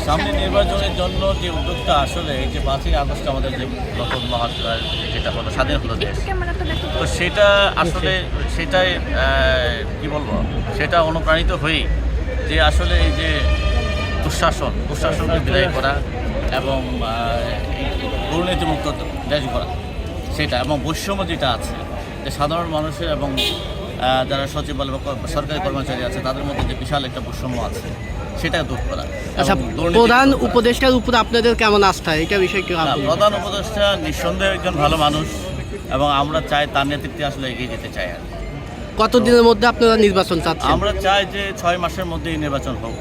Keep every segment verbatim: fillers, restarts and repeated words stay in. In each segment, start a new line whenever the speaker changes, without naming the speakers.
সামনে নির্বাচনের জন্য যে উদ্যোগটা আসলে এই যে পাঁচই আগস্ট আমাদের যে নতুন মহাত্মার যেটা হলো স্বাধীন হলো দেশ, তো সেটা আসলে সেটাই কি বলবো সেটা অনুপ্রাণিত হয়েই যে আসলে এই যে দুঃশাসন দুঃশাসনকে বিদায় করা এবং দুর্নীতিমুক্ত দেশ করা সেটা, এবং বৈষম্য যেটা আছে যে সাধারণ মানুষের এবং যারা সচিবালয় বা সরকারি কর্মচারী আছে তাদের মধ্যে যে বিশাল একটা বৈষম্য আছে সেটা দূর করা।
আচ্ছা, প্রধান উপদেষ্টার উপর আপনাদের কেমন আস্থা, এটা বিষয়ে কি?
প্রধান উপদেষ্টা নিঃসন্দেহে একজন ভালো মানুষ এবং আমরা চাই তার নেতৃত্বে আসলে এগিয়ে যেতে চাই। আর
কতদিনের মধ্যে আপনারা নির্বাচন চাচ্ছেন?
আমরা চাই যে ছয় মাসের মধ্যেই নির্বাচন হোক।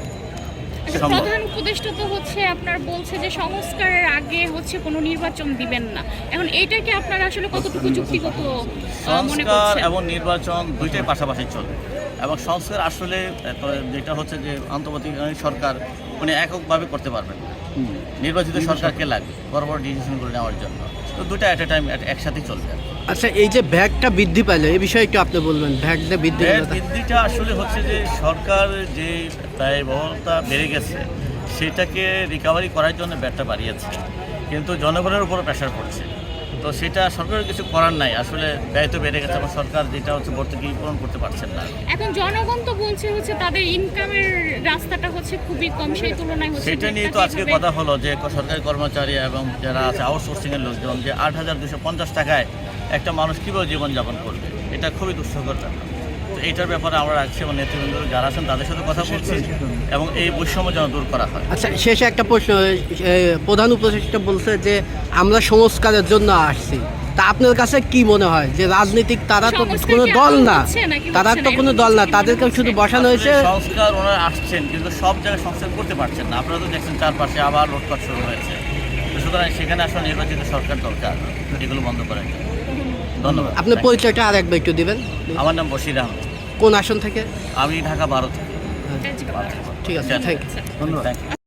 প্রধান উপদেষ্টা তো হচ্ছে আপনার বলছে যে সংস্কারের আগে হচ্ছে কোনো নির্বাচন দিবেন না, এখন এইটাকে আপনারা আসলে কতটুকু যুক্তিগত মনে
সংস্কার
করছেন?
এবং নির্বাচন দুইটাই পাশাপাশি চলবে, এবং সংস্কার আসলে যেটা হচ্ছে যে অন্তর্বর্তীকালীন সরকার উনি এককভাবে করতে পারবেন, নির্বাচিত সরকারকে লাগবে বড় বড় ডিসিশনগুলো নেওয়ার জন্য, তো দুইটা অ্যাট এ টাইম একসাথেই চলবে।
আচ্ছা, এই যে ভ্যাটটা বৃদ্ধি পাইলো এই বিষয়ে একটু আপনি বলবেন। ভ্যাটটা বৃদ্ধি
বৃদ্ধিটা আসলে হচ্ছে যে সরকার যে ব্যয়বহুলতা বেড়ে গেছে সেটাকে রিকভারি করার জন্য ভ্যাটটা বাড়িয়েছে, কিন্তু জনগণের উপরও প্রেশার পড়ছে, তো সেটা সরকারের কিছু করার নাই। আসলে ব্যয় তো বেড়ে গেছে এবং সরকার যেটা হচ্ছে ভর্তুকি পূরণ করতে পারছেন না।
এখন জনগণ তো বলছে হচ্ছে তাদের ইনকামের রাস্তাটা হচ্ছে খুবই কম, সেই তুলনায় হচ্ছে
সেটা নিয়ে তো আজকে কথা হলো যে সরকারি কর্মচারী এবং যারা আছে আউটসোর্সিংয়ের লোকজন যে আট হাজার দুশো পঞ্চাশ টাকায় একটা মানুষ কীভাবে জীবনযাপন করবে, এটা খুবই দুঃস্থকর ব্যাপার। তো এইটার ব্যাপারে আমরা রাখছি এবং নেতৃবৃন্দ যারা আছেন তাদের সাথে কথা বলছি এবং এই বৈষম্য যেন দূর করা হয়।
আচ্ছা, শেষে একটা প্রশ্ন, প্রধান উপদেষ্টা বলছে যে আমরা সংস্কারের জন্য আসছি, তা আপনার কাছে কি মনে হয় যে রাজনীতিক তারা তো কোনো দল না, তারা তো কোনো দল না, তাদেরকে শুধু বসানো হয়েছে?
সংস্কার ওনারা আসছেন কিন্তু সব জায়গায় সংস্কার করতে পারছেন না। আপনারা তো দেখছেন চারপাশে আবার লুটপাট শুরু হয়েছে, সুতরাং সেখানে আসলে নির্বাচিত সরকার দরকার এগুলো বন্ধ করার জন্য। ধন্যবাদ।
আপনার পরিচয়টা আর একবার একটু দেবেন।
আমার নাম বশির আহমেদ।
কোন আসন থেকে?
আমি ঢাকা বারো থেকে।
ঠিক আছে, থ্যাংক ইউ।
ধন্যবাদ।